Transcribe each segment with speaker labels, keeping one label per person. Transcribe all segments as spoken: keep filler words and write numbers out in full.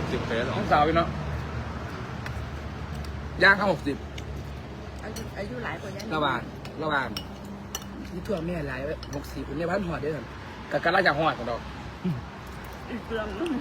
Speaker 1: สิบเฟสหรอ
Speaker 2: น้องสาวพี่เนาะย่างเข้าหกสิบ
Speaker 3: อายุอายุหลายกว่านี้
Speaker 2: ระหว่างระหว่างนี่ทั่วแม่หลายหกสิบคนเนี่ยพันหอดเด้วยกันกับการล่าจากหอดกันดอก
Speaker 3: อีกเรื่องนึง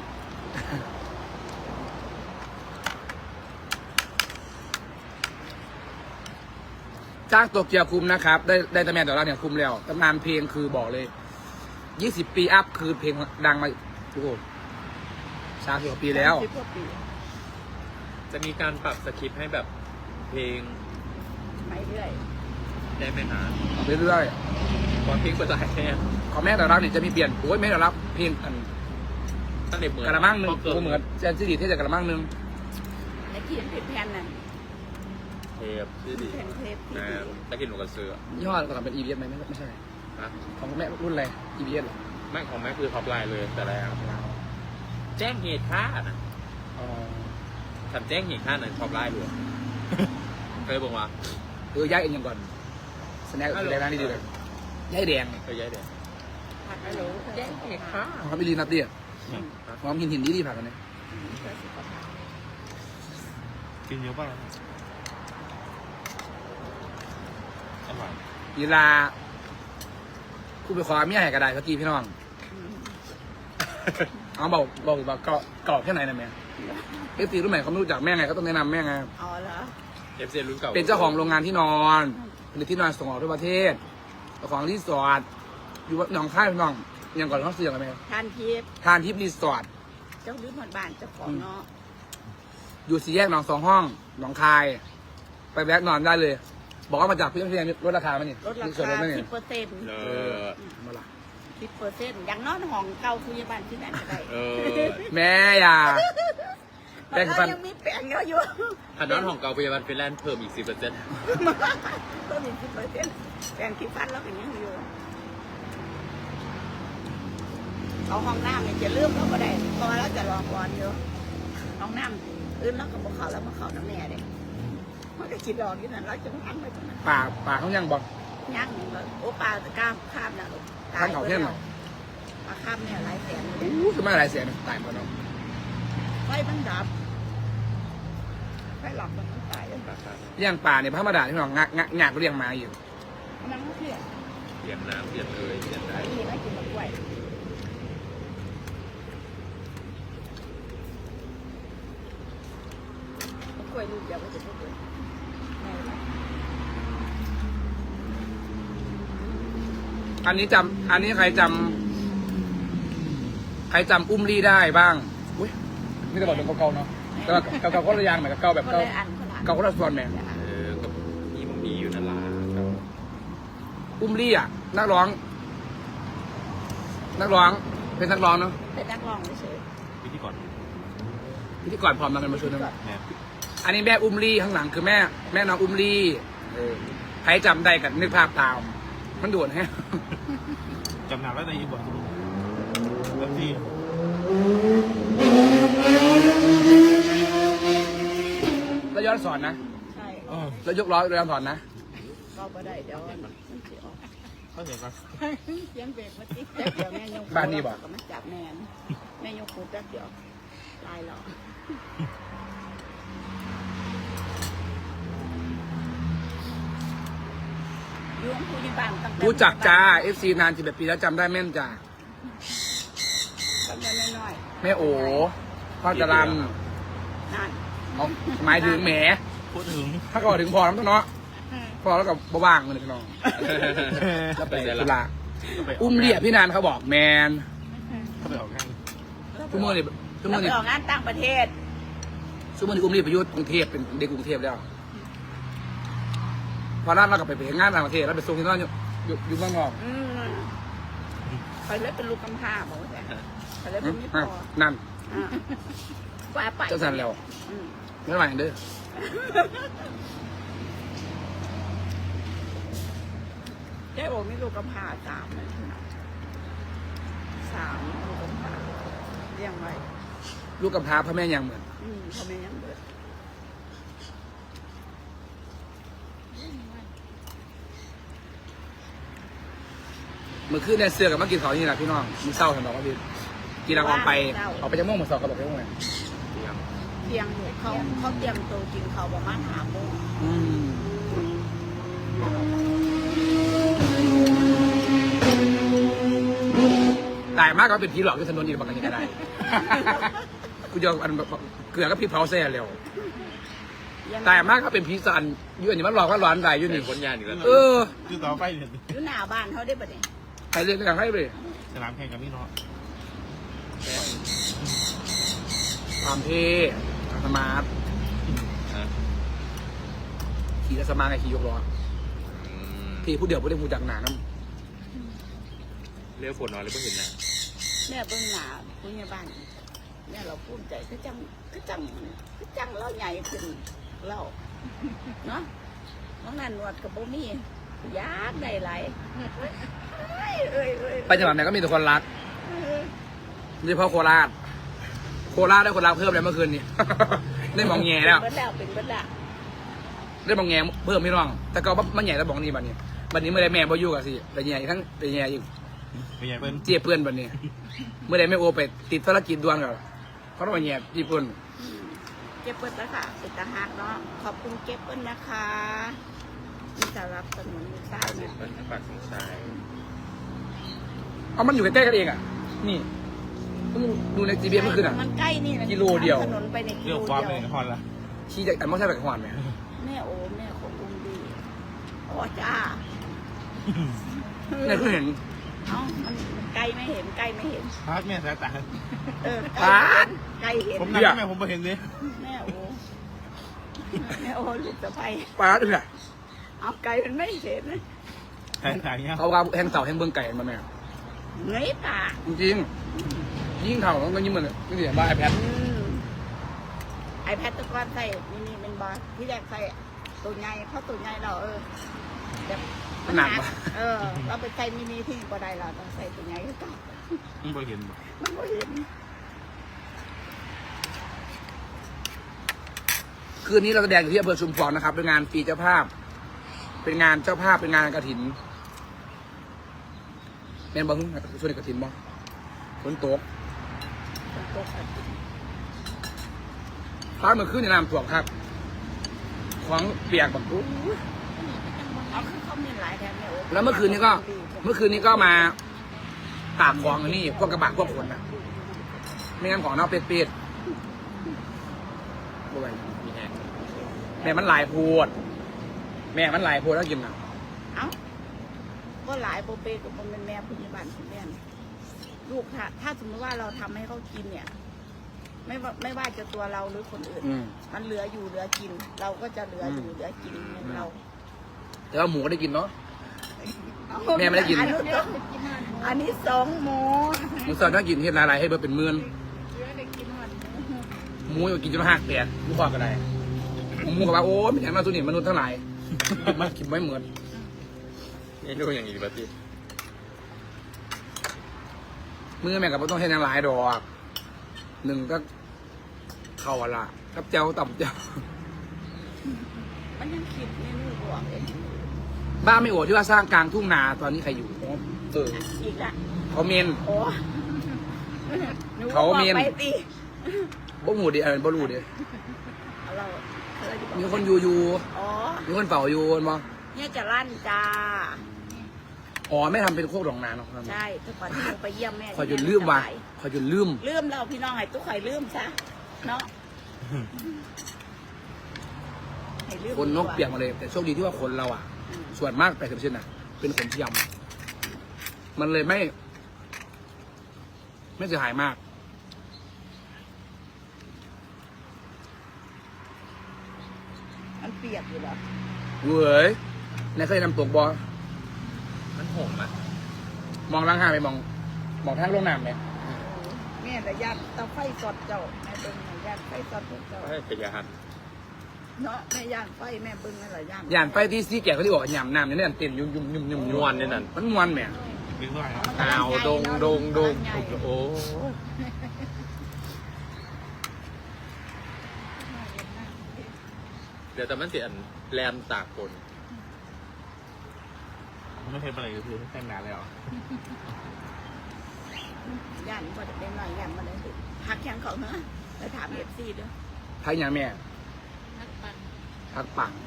Speaker 2: จ้างตัวเกียวคุมนะครับ ได้ได้ตำแหน่งแต่ละเนี่ยคุมแล้วตำนานเพลงคือบอกเลยยี่สิบปีอัพคือเพลงดังมาทุกคนสามสิบกว่าปีแล้ว
Speaker 3: สิบกว่าปี
Speaker 1: จะมีการปรับสคริปต์ให้แบบเพลง
Speaker 3: ไม่เรื่อย
Speaker 1: ได้ไม่นาน
Speaker 2: เรื่อย
Speaker 1: ก่อนเพลงเปิดใจแค่
Speaker 2: ๆของแม่แต่ละเนี่ยจะมีเปลี่ยนโอ้ยแม่แต่ละเพลงอัน
Speaker 1: ตั้งแต่เหมือน
Speaker 2: กระมังหนึ่ง
Speaker 1: เกิด
Speaker 2: เหมือนเจนซีดีที่จะกระมังหนึ่ง
Speaker 3: ในที่เห็นผิดแผนนั่น
Speaker 1: เทปที่ดี
Speaker 3: แผ่นเทปที่
Speaker 1: นะ
Speaker 3: ดี
Speaker 1: ตะกินหนูกระเสือ
Speaker 2: ยี่ห้อก็ทำเป็น อี บี เอส ไหมไม่ไม่ใช่
Speaker 1: นะ
Speaker 2: ของแม่รุ่นอะไร อี บี เอส เหรอ
Speaker 1: แม่ของแม่คือท็อปไลน์เลยแต่แรกแจ้งเหตุฆ่านะ
Speaker 2: อ๋อ
Speaker 1: ทำแจ้งเหตุฆ่าในท็อปไลน์เลยเคยบอกว่า
Speaker 2: เออย้ายเองยังก่อนสแน็คแดงนั่นนี่ดีเลยย้ายแดง
Speaker 1: เคยย้ายเด็ก
Speaker 3: ผัดฮัลโหล
Speaker 1: แจ้งเหตุฆ่า
Speaker 2: หอมไม่ดีนัดเดียหอมหินหินดีดีผักกันเนี่ย
Speaker 4: กินเยอะป่ะอร่อย
Speaker 2: กีฬาคู่ไปขอเมียให้กระไดสักทีพี่น้องเอาเบาเบาเบาเกาะเกาะแค่ไหนนะแม่เอฟซีรุ่นใหม่เขาไม่รู้จักแม่ไงก็ต้องแนะนำแม่ไง
Speaker 3: อ๋อเหรอ
Speaker 1: เอฟซีรุ่นเก่า
Speaker 2: เป็นเจ้าของโรงงานที่นอนผลิตที่นอนส่งออกทั่วประเทศเจ้าของรีสอร์ทอยู่หนองคายพี่น้องยังก่อนเขาเสียงอะไรไหม
Speaker 3: ทานทิพย์
Speaker 2: ทานทิพย์รีสอร์ท
Speaker 3: เจ้าลิ้นหมดบ้านเจ้าของเนาะ
Speaker 2: อยู่สี่แยกหนองสองห้องหนองคาย ไปแวะนอนได้เลย บอกว่ามาจากพี่เพียงลดราคาไหมนี่
Speaker 3: ลดรา
Speaker 2: ส่วนล
Speaker 3: คา
Speaker 2: ดไหม
Speaker 3: สิ
Speaker 2: นี่
Speaker 3: บเปอร์เซ็นต์
Speaker 1: เออ
Speaker 2: มาละ
Speaker 3: สิบเปอร์เซ็นต์อย่างนอนห้องเก่าคุยบ้านที่ไหนก็ได้
Speaker 1: เออ
Speaker 2: แม่อย่า
Speaker 3: แปลงฟันยังมีแปลงเยอะอยู่
Speaker 1: ถ้าน้องของเก่าพยาบาลฟินแลนด์เพิ่มอีกสิบเปอร์เซ็นต์
Speaker 3: ต้นอีกสิบเปอร์เซ็นต์แปลงที่ฟันแล้วเป็นยังอยู่เอาห้องน้ำเนี่ยจะเลื่อมเราก็ได้เพราะว่าเราจะรอบอลอยู่ห้องน้ำอื่นแล้วก็บอกเขาแล้วมาเขาน้ำแม่เด็มันก็คิดรอที่นั่นเราจะพันไปตรงนั้น
Speaker 2: ป่าป่าเขายังบอก
Speaker 3: ย่างเลยโอ้ปลาจะกล้ามข้ามนะลูก
Speaker 2: ท่านเขาเที่ยงเหรอ
Speaker 3: ปลาข้ามเนี่ยหลายแสนเลย
Speaker 2: อู้คือไม่อะไรเสียนะตายหมดแล้ว
Speaker 3: ไฟมันดับไฟหลับมันต้องตายเลย
Speaker 2: เลี้ยงป่าเนี่ยพระมาดาที่น้องงักงักงักเลี้ยงมาอยู่
Speaker 3: มันก็เสีย
Speaker 1: เปลี่ยนน้ำเปลี่ยนเลยเปลี่ยนได้
Speaker 3: ไอ้ที่ไม่กินมันกล้วยมันกล้วยลูกเดียวก็จะพูดเลยแม่ไหม
Speaker 2: อันนี้จำอันนี้ใครจำใครจำอุ้มลี่ได้บ้างอุ้ยนี่จะบอกเป็นเก่าๆเนาะแต่ว่าเก่าๆก็ระยางเหมือนกับเก่าแบบ
Speaker 3: คน
Speaker 2: เก่า
Speaker 3: ละอันคนละอัน
Speaker 2: เก่าก็ระส่วนแม่
Speaker 1: เออกับนี่มันมีอยู่นั่นล่ะครับ
Speaker 2: อุ้มลี่อ่ะนักร้อง นักร้องเป็นนักร้องเนาะ
Speaker 3: เป็นนักร้องเฉย
Speaker 4: วิธีก่อน
Speaker 2: พิธีกรพร้อมกันมาชวนกัน
Speaker 4: เนี่ย
Speaker 2: อันนี้แม่อุ้มลี่ข้างหลังคือแม่แม่น้องอุ้มลี่เออใครจำได้กันนึกภาพตาม มันด่วนแฮะ
Speaker 4: จำหนักแล้วในอีบทแบบที่
Speaker 2: แล้วย้อนสอนนะ
Speaker 3: ใช่
Speaker 4: เออ
Speaker 2: แล้วยกล้อย้อนสอนนะ
Speaker 3: ก็ไม่ได้เดี๋ยวมันเสียออก
Speaker 4: เข้าใจปะ
Speaker 3: เสียงเบรกมาติดแป๊บเดียวแม่ยก
Speaker 2: บ้านนี่บ่
Speaker 3: ก็มาจับแม่นแม่ยกคูแป๊บเดียวลายหรอยุ่งคุยบ้านตั้งแต่
Speaker 2: รู้จักจ้า เอฟ ซี นานสิบแปดปีแล้วจำได้แม่นจ้า
Speaker 3: ตั้งแต่น้อย
Speaker 2: แม่โอพ่อจรัน
Speaker 3: ๆนั่น
Speaker 2: เอาหมายถึงแหม
Speaker 4: พูดถึง
Speaker 2: ถ้าก็ถึงพอแล้วเนาะพอแล้วกับบ้างเลยพี่น้องแล้วไปสุราอุ้มเรียพี่นานเขาบอกแมน
Speaker 4: เข้าไปออกงาน
Speaker 2: ทุกเมื่อนี่ทุก
Speaker 3: แล้
Speaker 2: เมื่
Speaker 3: ว
Speaker 2: อนี่
Speaker 3: ไปออกงานต่างประเทศ
Speaker 2: ทุกเมื่อนี่อุ้มเรียไปอยุทธกรุงเทพเป็นเด็กกรุงเทพแล้วพอนั้นเราก็ไปไปงานต่างประเทศแล้วไปส่งที่นั่นอยู่อยู่อยู่เมืองนอก
Speaker 3: อืมไปเลยเป็นลูกกำพร้าบอกว่าแต่ไปเลยเป็นมิตร
Speaker 2: อ่ะ
Speaker 3: พอ
Speaker 2: นั่น
Speaker 3: อ่าว่าไป
Speaker 2: เจ้าสันแล้ว
Speaker 3: อืม
Speaker 2: ไม่ไหวเด้อ
Speaker 3: เจ๊โอมีลูกกำพร้าสามเลยสามลูกกำพร้าเลี้ยงไว้
Speaker 2: ลูกกำพร้าพ่อแม่ยังเหมือน
Speaker 3: อืมเขาไม่ยังเบิด
Speaker 2: เมื่อคืนเนี่ยเสือกับมากินเขาวนี่แหละพี่น้องมันเศร้าเห็นบอกว่าพี่กินแล้วออกไปออกไปจากม่วงหมดสองกระบอกไปม่วงเลย
Speaker 1: เ
Speaker 3: เตียงอยู่เขาเขาเตรียมตัวกินเขาประมาณห้าโมง
Speaker 2: อืมตายมากก็เป็นผีหลอกที่ถนนอีกบางกันก็ได้ กูจะเอาอันแบบเกลือก็พี่เผาแซ่เร็วตายมากก็เป็นผีสันอยู่อันนี้มันหลอกว่าร้อนได้อยู่
Speaker 1: เป็
Speaker 2: นี่
Speaker 1: นคนยานอีกแล้ว
Speaker 2: เออ
Speaker 4: คือต่อไปเนี่ย
Speaker 3: อยู่หน้าบ้านเขาได้ปะเนี่ย
Speaker 2: ใครเรียกกันให้ไป
Speaker 4: สนามแข่งกับพี่น้อง
Speaker 2: ความเท่สมาร์ท
Speaker 1: ฮะ
Speaker 2: ขี่แล้วสมาร์ทไงขี่ยกล้อ
Speaker 1: อืม
Speaker 2: ที่ผู้เดียวผู้เดียวผู้จักหนาน้
Speaker 1: เรียกฝนนอนเลยเพิ่งเห็นหน้า
Speaker 3: แม่เบิ่งหน้าผู้ใหญ่บ้านแม่เราภูมิใจคือจังคือจังคือจังเราใหญ่ขึ้นเราเนาะน้องนันหนวดกับโบมี่ยากได้หลายเอ้ยเอ้ยเอ้ย
Speaker 2: ำไปจังหวัดไหนก็มีแต่คนรักโดยเฉพาะโคราชโคราชได้คนรักเพิ่มเลยเมื่อคืนนี้ ได้มองแง่แล้ว
Speaker 3: เป็นแล้วเป็นเบิดแล้ว
Speaker 2: ได้มองแง่เพิ่มไม่ร้อง แต่ก็มันใหญ่แล้วบอกนี่บัดนี้บัดนี้เมื่อไรแม่บ่อยู่กันสิแต่ใหญ่ทั้งแต่ใหญ่อีก
Speaker 4: เป็นไงเปิ้ล
Speaker 2: เจี๊ยเพื่อนบัดนี้ เมื่อไรแม่โอไปติดภารกิจด่วนกันเพราะว่าแง่ญี่ปุ่น
Speaker 3: เก็บเปิ้ลแล้วค่ะเป็นตาหักเนาะขอบคุณเก็บเปิ้ลนะคะที่สำหรับสนุนลูกสาวเนี่ย
Speaker 1: เป็นปากสงสัย
Speaker 2: เอามันอยู่ใกล้ๆกันเองอ่ะ นี่เพิ่งดูในจีบีเมื่อคืนอ่ะ
Speaker 3: มันใกล้นี่นะ
Speaker 2: กิโลเดียว
Speaker 3: ถนนไปในกิ
Speaker 4: เรื่
Speaker 3: โล
Speaker 4: อง
Speaker 3: เดี
Speaker 4: ความ
Speaker 3: ยว
Speaker 4: เลยฮอนละ
Speaker 2: ชี้จากแต่ไม่ใช่แบบขวานไหม
Speaker 3: แม่โอ้แม่ของอุ้มดีอ๋อจ้า
Speaker 2: เนี่ยเพิ่งเห็น
Speaker 3: เอ้ามันมันไกลไม่เห็นไกลไม่เห็น
Speaker 4: พาร์ทแม่สายตา
Speaker 3: เออ
Speaker 2: ปาด
Speaker 3: ไกลเห็น
Speaker 4: ผม
Speaker 3: ไกล
Speaker 4: นั่
Speaker 3: เห็น
Speaker 4: งแม่ผมไปเห็นเลย
Speaker 3: แม่โอ้แม่โอ้ลูกสะใภ้
Speaker 2: ปลาเอื้อ
Speaker 3: เอาไกลมันไม่เห็นนะ
Speaker 4: สายตาเงี้ย
Speaker 2: เขาว่าแหงเต่าแหงเบื้องไก่มาแม่
Speaker 3: เงยตา
Speaker 2: จริงๆยิ่งเท่ามันก็ยิ่งเหมือนนี่เสียบ้าไอแพด
Speaker 3: อืมไอแพดตะกอนใส่มินิเป็นบอลที่แรกใส่ตัวใหญ่เพราะตัวใหญ่เราเออแบบ
Speaker 2: มันหนักปะ
Speaker 3: เออ เราไปใส่มินิที่บ่ได้เราต้องใส่ตัวใหญ่ก็ต้อง
Speaker 4: ผมไปเห็น
Speaker 3: มันก็เห็น
Speaker 2: คืนนี้เราแสดงอยู่ที่อำเภอชุมพรนะครับเป็นงานฟรีเจ้าภาพ เป็นงานเจ้าภาพเป็นงานกฐินแม่นบ้างช่วยกฐินบ้างฝนตก
Speaker 3: คนตกอะ
Speaker 2: ฟ้าเมื่อคืนในน้ำท่วมครับ ของเปียกแบบอู้
Speaker 3: เอาคือเขามีหลายแถมเนี่ยโอ้
Speaker 2: แล้วเมื่อคืนนี้ก็ เมื่อคืนนี้ก็มาตากของอันนี้พวกกระบะพวกขนนะไม่งั้นของเน่าเป็ดเป็ดๆด้วย
Speaker 1: มีแฮง
Speaker 2: แม่มันหลายโพดแม่มันหลายโพดแล้วกินนะ
Speaker 3: เอ้าก็หลายโปรเปกับมันเป็นแม่พยาบาลคุณแม่เนี่ยลูกถ้าถ้าสมมติว่าเราทำให้เขากินเนี่ย ไม่ว่าไม่ว่าจะตัวเราหรือคนอื่น
Speaker 2: อืม
Speaker 3: มันเหลืออยู่เหลือกิน เราก็จะเหลืออยู่
Speaker 2: อืม
Speaker 3: เหลือกินในเรา
Speaker 2: แต่ว่าหมูก็ได้กินเนาะ แม่ไม่ได้กิน
Speaker 3: อันี้สองอันนี้สองหมู
Speaker 2: หมูสดต้องกินเห็ดอะไรให้เบอร์เป็นหมื่น
Speaker 3: เหลือได้กินหมด
Speaker 2: หมูอยู่กินจนหักแตกหมูกรอบก็ได้หมูกับว่าโอ้ยไม่ใช่มาสุนิมนุษย์ทั้งหลายมันกินไม่เหมือน
Speaker 1: นี่ดูอย่างนี้ดีป่ะพี่
Speaker 2: มือแม่กับต้องให้นางหลายดอกหนึ่งก็เข่าอะละกับเจ้าต่ำเจ้า
Speaker 3: มันยังคิดเมนูบวกเอง
Speaker 2: บ้านไม่โอดที่ว่าสร้างกลางทุ่งนาตอนนี้ใครอยู่เออ
Speaker 3: อีกละ
Speaker 2: เขาเมน
Speaker 3: โอ้หนู
Speaker 2: เขามี
Speaker 3: บอกไปสิ
Speaker 2: บ่หมูดิเออบ่รู้ดิ
Speaker 3: เอาเราเราจะบอก
Speaker 2: มีคนอยู่อยู่
Speaker 3: อ๋อ
Speaker 2: มีคนเฝ้าอยู่มั้ง
Speaker 3: เนี่ยจะลั่นจ้า
Speaker 2: อ๋อไม่ทำเป็นโคกดองนาเนาะ
Speaker 3: ใช่ทุกวันที่หนูไปเยี่ยมแม่
Speaker 2: คอยจนลืมว่ะคอยจนลืม
Speaker 3: ลืมเราพี่น้องให้ตุ๊กไข่ลืมซะเนาะให้ลืม
Speaker 2: คนนกเปียกมาเลย แต่โชคดีที่ว่าคนเราอ่ะ
Speaker 3: อืม
Speaker 2: ส่วนมากแปดสิบเปอร์เซ็นต์น่ะ เป็นขนเทียมมันเลยไม่ ไม่เสียหายมาก
Speaker 3: มันเปียกอยู่เหรอ
Speaker 2: เว้ยนายเคยนำตกบอ
Speaker 1: มันห่มอ่ะ
Speaker 2: มองล่างห้างไปมอง มองทางลงน้ำเนี่ย
Speaker 3: แม่แต่ย่านเตาไฟสดเจ้าแม่เบิ้งน่ะย่านไฟสดเจ้า
Speaker 1: ให้พยาหัน
Speaker 3: เนาะแม่ย่านไฟแม่เบิ้งนั่นแหละย่าน
Speaker 2: ย่านไปที่ซีแก่เขาที่บอกว่าหยำน้ำเนี่ยเนี่ยเต้นยุ่มยุ่มยุ่มยุ่ม
Speaker 1: นวลเนี่ยนั่น
Speaker 2: มันมวนแหม่
Speaker 4: ดึงด้วย
Speaker 1: อ้าวดงดงดงโอ้เดี๋ยวแต่มันเสียนแลนตากฝน
Speaker 4: ไม่เคยไปไหนก็คือแต่งหนาแล้ว
Speaker 3: ย่านพอจะเป็นหน่อยย่านมาเลยสิหักแข้งเขาเนาะไปถามเอฟซีด้วย
Speaker 2: พักอย่างแม่
Speaker 3: นักปั่น
Speaker 2: พักปัง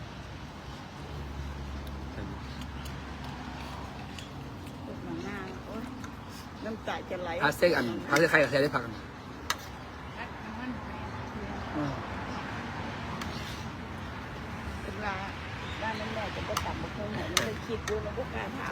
Speaker 3: ลูกหนังหน้าโอ้ยน้ำตาจะไหล
Speaker 2: พักเส้นอันพักเส้นใครกับใครได้พักกัน
Speaker 3: พักน้ำมันไป
Speaker 2: อืม
Speaker 3: เป็นว่าบ้านนั้นแม่จะก็ตับมาคงไหนไม่ได้คิดดูแล้วก็กล้ารถาม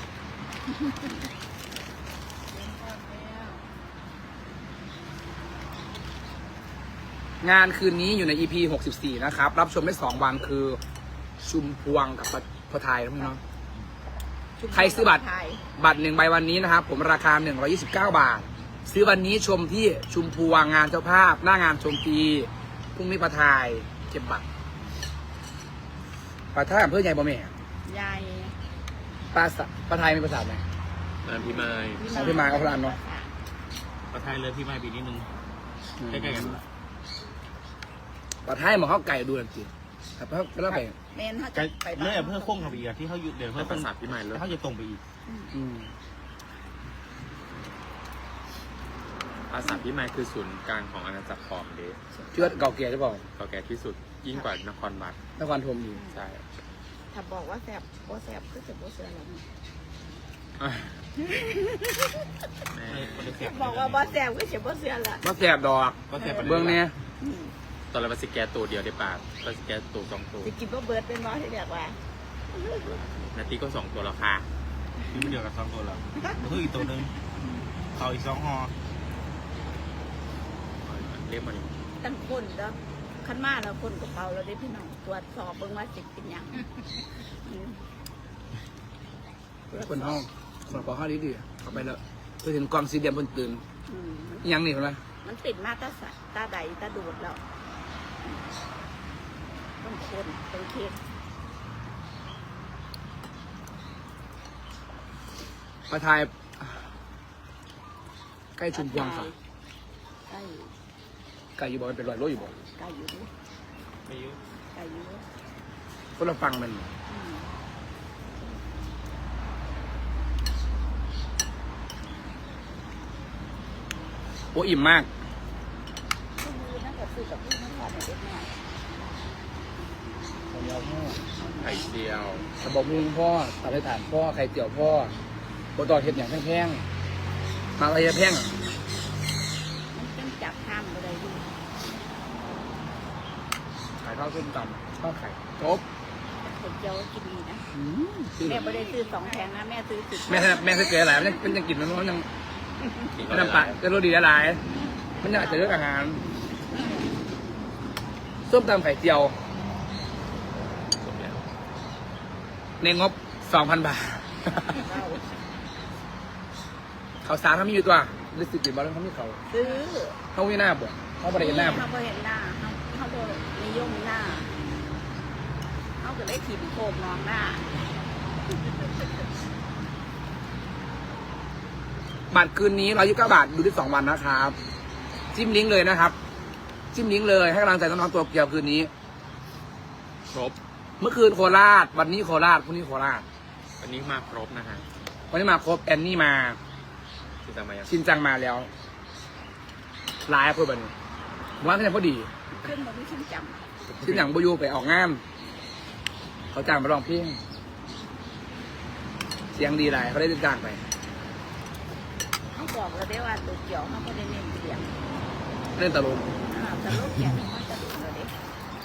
Speaker 2: งานคืนนี้อยู่ใน อี พี หกสิบสี่ นะครับ รับชมได้สองวันคือ ชุมพวงกับพอไทยนะพี่น้อง ใครซื้อบัตร บัตรหนึ่งใบวันนี้นะครับ ผมราคา หนึ่งร้อยยี่สิบเก้า บาท ซื้อวันนี้ชมที่ชุมพวงงานเจ้าภาพ หน้างานชมฟรีพรุ่งนี้พอไทยเก็บบัตรปะท่าอำเภอใหญ่บ่แม่
Speaker 3: ยาย
Speaker 2: ปลาสะปลาไทยมีภาษาไหม
Speaker 1: อ่าพี่ไม้
Speaker 2: ของพี่มายเอาคนละอันเนาะ
Speaker 4: ประทายเลยพี่ไม้ปีนิดนึงใกล้ๆกัน
Speaker 2: ปลาไทยมาเข้าไก่ดูหน่อยสิครับเพราะเพราะไป
Speaker 3: เมนเขา
Speaker 4: ไกล
Speaker 3: จะไป
Speaker 4: เลยเพื่อโค้งกับอีกที่เขาหยุดเดี๋ยว
Speaker 1: เพื่
Speaker 4: เพื่
Speaker 1: อ
Speaker 4: อ
Speaker 1: ประสาทพี่ไม้เลย
Speaker 4: เขาจะตรงไปอีก
Speaker 2: อืม
Speaker 1: ปราสาทพี่ไม้คือศูนย์กลางของอาณาจักรขอมเดช
Speaker 2: เชื่อเก่าแก่หรือเปล่า
Speaker 1: เก่าแก่ที่สุดยิ่งกว่านครวัด
Speaker 2: นครธมอยู่
Speaker 1: ใช่
Speaker 3: ถ้าบอกว่าแสบโบแสบก็จะโบเสือแล้ว
Speaker 1: แม่
Speaker 3: ถ้าบอกว่าโบแสบก็จะโบเสือละ
Speaker 2: มาแสบดอก
Speaker 4: ก็แค่
Speaker 2: เบื้องเนี้ย
Speaker 1: ตอนเราไปสแกนตัวเดียวได้ป่ะเราสแกนตัวสองตัว
Speaker 3: จะกินว่าเบิร์ดเป็นร้อยที่เรียกว่า
Speaker 1: นาทีก็สองตัวแล้วค่ะ
Speaker 4: นี่ไม่เดียวกับสองตัวแล้วเพิ่มอีกตัวนึงเขาอีกสองหอ
Speaker 1: เรียกมัน
Speaker 3: ตั้งคนแล้วขั้นมาแล้วคนกระเป๋าเราได้พี่น้องตรวจสอบเบิ่งว่าสิเป็นยัง
Speaker 2: คนห้องคนปอห้องดีดีๆเข้าไปแล้วเพื่อเห็นกองสีเดียมบนตื่น
Speaker 3: อืม
Speaker 2: อิหยังนี่เห็นไหม
Speaker 3: มันติดมาตาสะตาใดตาดูดแล้วต้องคนต้องเคส
Speaker 2: ปลาไทยใกล้ชุมพวงค่ะ
Speaker 3: ใกล้
Speaker 2: ไก่อยู่บ่มันเป็นรอยโลอยู่บ่
Speaker 3: ใกล้อยู่ด้วย
Speaker 4: ไม่เยอะ
Speaker 3: ใกล้อยู่ด้วย
Speaker 2: คนเราฟังมัน
Speaker 3: อืม
Speaker 2: โอ้อิ่มมาก
Speaker 3: ก็คือนั่นก็คือกับพี่นั่นก่อนเนี่ยเด็กน้อย
Speaker 1: ไข่เจียว
Speaker 2: กระบอกมุงพ่อตัดให้ฐานพ่อไข่เจียวพ่อโบตอเห็ดอย่างแพงๆมาอะไรแพง
Speaker 3: มันเป็นจับห้ามอะไรอยู่
Speaker 2: ขายข้าวส้มตำข้าวไข่จบ
Speaker 3: แต่เจียวกินดีนะ
Speaker 2: อืมซื้อ
Speaker 3: แม่ไม่ได้ซื้อสองแพงนะแม่ซื้อสิบ
Speaker 2: แม่แม่เคยเจอหลายมันยังมันยังกินมันมันยังมันน้ำปลาจะรสดีหลายมันยังอาจจะเลือกอาหารส้มตำไข่เจียว
Speaker 1: จบแล้ว
Speaker 2: ในงบสองพันบาท
Speaker 3: เรา
Speaker 2: เขาสารเขามีอยู่ตัวรู้สึกดีบ้างเขามีเขา
Speaker 3: ซื้อ
Speaker 2: เขาไม่หน้าบ่เขาไม่ได้เห็นหน้าบ่
Speaker 3: เขาไม่เห็นหน้าเขาเขาโดนนิยมหน้าเขาก็เลยถิ่มโคมน้องหน้า
Speaker 2: บัตรคืนนี้ร้อยยี่สิบเก้าบาทดูได้สองวันนะครับ จิ้มลิงก์เลยนะครับ จิ้มลิงก์เลยให้กำลังใจน้องๆตัวเกียวคืนนี้
Speaker 1: ครบ
Speaker 2: เมื่อคืนโคราช วันนี้โคราชพรุ่งนี้โคราช
Speaker 1: วันนี้มาครบนะฮะ
Speaker 2: วันนี้มาครบแอนนี่มา
Speaker 1: ที่จะมายัง
Speaker 2: ชินจังมาแล้วไลฟ์เพื่อนนี้ว่าที่ไหนพอดี
Speaker 3: ขึ้นมาไม่ขึ้นจ
Speaker 2: ชินจังบอยูไปออกงานเขาจ้างมาร้องเพลงเสียงดีหลายเขาได้จ้างไป
Speaker 3: ำเขาบอกเราได้ว่าตัวเกี่ยวเขาก็ได้เน้นเสียง
Speaker 2: เล่นตลก
Speaker 3: อ่าแต่ลูกเกี่ยวมันจะดูเลยเด็ก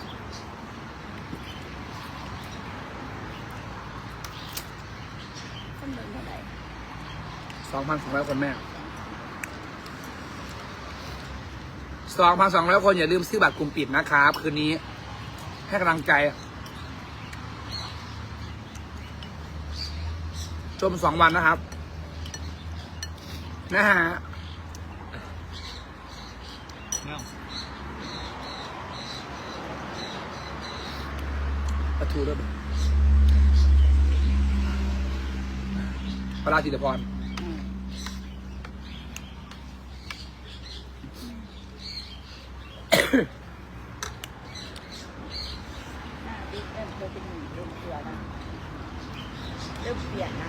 Speaker 3: คนเดินเท่าไหร่
Speaker 2: สองพันสองร้อยคนแม่สองพันสองร้อยคนอย่าลืมซื้อบัตรกลุ่มปิดนะครับ คืนนี้ให้กำลังใจ ชมสองวันนะครับ นะฮะ
Speaker 4: เนาะ
Speaker 2: ประตูด้วยพระราชิตพร
Speaker 3: อืมหน้าบิ๊กเริ่มเคยเป็นหนุ่มเริ่มเสือนะเริ่มเปลี่ยนนะ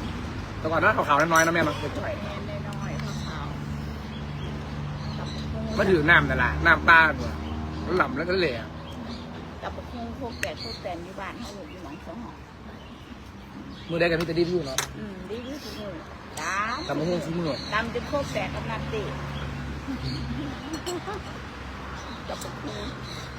Speaker 2: แต่ก่อนหน้าขาวๆน้อยๆนะแม่เนาะจ่อย
Speaker 3: แม่น้อยๆขาวๆกับโม
Speaker 2: มาถือน้ำนั่นแหละน้ำปลาเนี่ยแล้วหล่ำแล้วก็เหล่
Speaker 3: กับพวกคงพวกแปดพวกแปดอยู่บ้านเขาหลุดอยู่หนองสองหอง
Speaker 2: มือได้กันพี่จะดีพี่เนาะ
Speaker 3: อืมดีที่สุดเลยดาม
Speaker 2: ตำมะม่วงซื้อมือ
Speaker 3: ดำจนโคกแตกกำลังตีกับพวกคง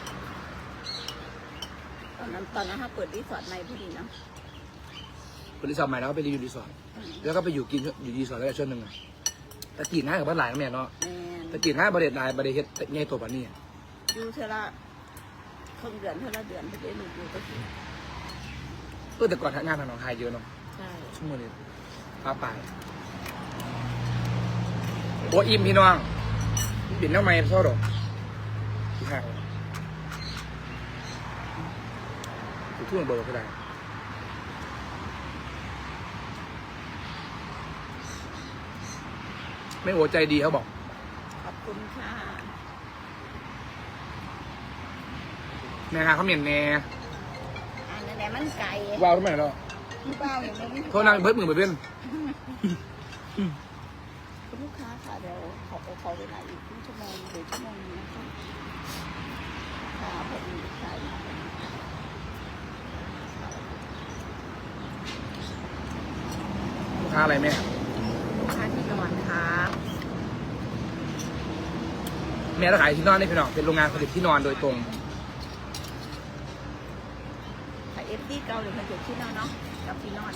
Speaker 3: ตอนนั้นตอนนั้นเขาเปิดรีสอร์ทใหม่พอดีเนาะ
Speaker 2: ไปรีสอร์ทใหม่แล้วก็ไปรีอยู่รีสอร์ทแล้วก็ไปอยู่กินอยู่รีสอร์ทแล้วช่วงหนึ่งอะตะกี้หน้ากับบ้านหลายนะแม่เนาะ
Speaker 3: แม่น
Speaker 2: ตะกี้หน้าบริเดตหลายบริเฮ็ดง่ายตัวปานนี้
Speaker 3: อยู่เท่าละครึ่งเดือนเท่าละเดือนไปได้หลุดอยู่ก็คือ
Speaker 2: เออแต่ก่อนงานทางหนองคายเยอะเนาะ
Speaker 3: ใช่
Speaker 2: ชั่วโมงนี้ป้าไปโอ้อิ่มพี่น้องปิ่นน้ำไม้ซอดอกที่ห่างถูกทุ่งเบอร์ก็ได้ไม่โอใจดีเขาบอก
Speaker 3: ขอบคุณค่ะ
Speaker 2: แม่ฮะเขาเหมียนแน่
Speaker 3: อันนั้นแหละมันไก่
Speaker 2: ว้าวทำไมเนาะ
Speaker 3: พี่เป้าอย่างนี้
Speaker 2: โทษนางเบิร์ดมือไปเป็น
Speaker 3: คุณลูกค้าค่ะเดี๋ยวขอขอเวลาอีกครึ่งชั่วโมงหรือชั่วโมงนึงนะคะค่ะพอดีใช่
Speaker 2: ลูกค้าอะไรแม่
Speaker 3: ลูกค้าที่นอนครับ
Speaker 2: แม่เราขายที่นอนนี่พี่น้องเป็นโรงงานผลิตที่นอนโดยตรง
Speaker 3: แต่เอฟซีเกาหรือมันจุดที่นอนเนาะกับที่นอน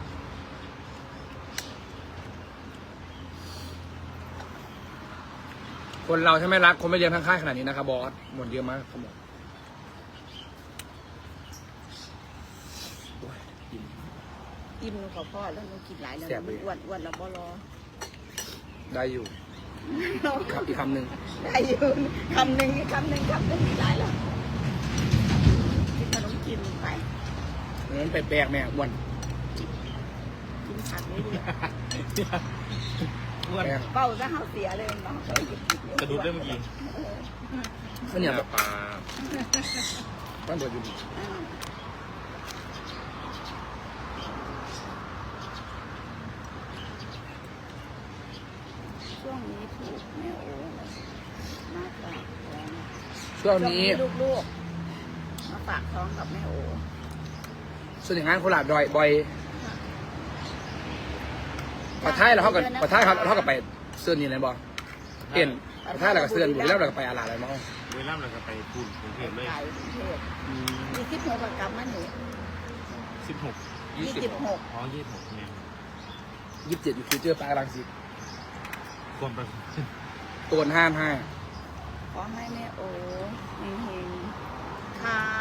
Speaker 2: คนเราถ้าไม่รักคนไม่เลี้ยงทั้งค่ายขนาดนี้นะครับบอสหมดเยอะมากครับหมดโอ้ยอิ่ม
Speaker 3: อิ่มหนูขอพ่อแล้วหนูกินหลายแล้ว
Speaker 2: แซ่บ
Speaker 3: มั
Speaker 2: เล
Speaker 3: น
Speaker 2: ย
Speaker 3: อ้วนอ้วนแล้วบ่รอ
Speaker 2: ได้อยู่อีกคำอีกคำหนึ่ง
Speaker 3: ได้อยู่คำหนึ่งอีกคำหนึ่งคำหนึ่งมีหลายแล้วกินขนมกินไป
Speaker 2: นั้นแปลกๆแม่อ้วน
Speaker 3: กินผักเรื่อย
Speaker 4: อ้วน
Speaker 2: แปลก
Speaker 3: ๆเป้าจะเฮาเสียเลยเนาะ
Speaker 4: กระดูกได้เมื่อกี้
Speaker 2: ก็เนี่ยแบบ
Speaker 1: ปลา
Speaker 2: ต้องเปิดอยู่ดี
Speaker 3: อืมช่วงนี้ถูกแม่โอ้มากกว่า
Speaker 2: ช่วงนี้
Speaker 3: ลูกๆมาฝากท้องกับแม่โอ
Speaker 2: ส่วนอย่างงานโคราชดอยบ่อยปะท้ายเราเท่ากับปะท้ายเขาเท่ากับไปเสื้อนี่เลยบอเปลี่ยนปะท้ายเรากับเสื้ออยู่แล้วเราก็ไปอาลาอะไรมั้ง
Speaker 4: เวลาเราก็ไปพูนกรุงเทพเลย
Speaker 3: ไก่กรุงเทพมีคิดหัวประกรรมมันหนู
Speaker 4: สิบหก
Speaker 3: ยี่สิบหก
Speaker 4: อ๋อยี่สิบหกเนี่ย
Speaker 2: ยี่สิบเจ็ดอยู่ฟิวเจอร์ปาร์ครังสิต
Speaker 4: ความประ
Speaker 2: ตัวห้ามห้า
Speaker 3: ขอให้แม่โอเฮงๆค่ะ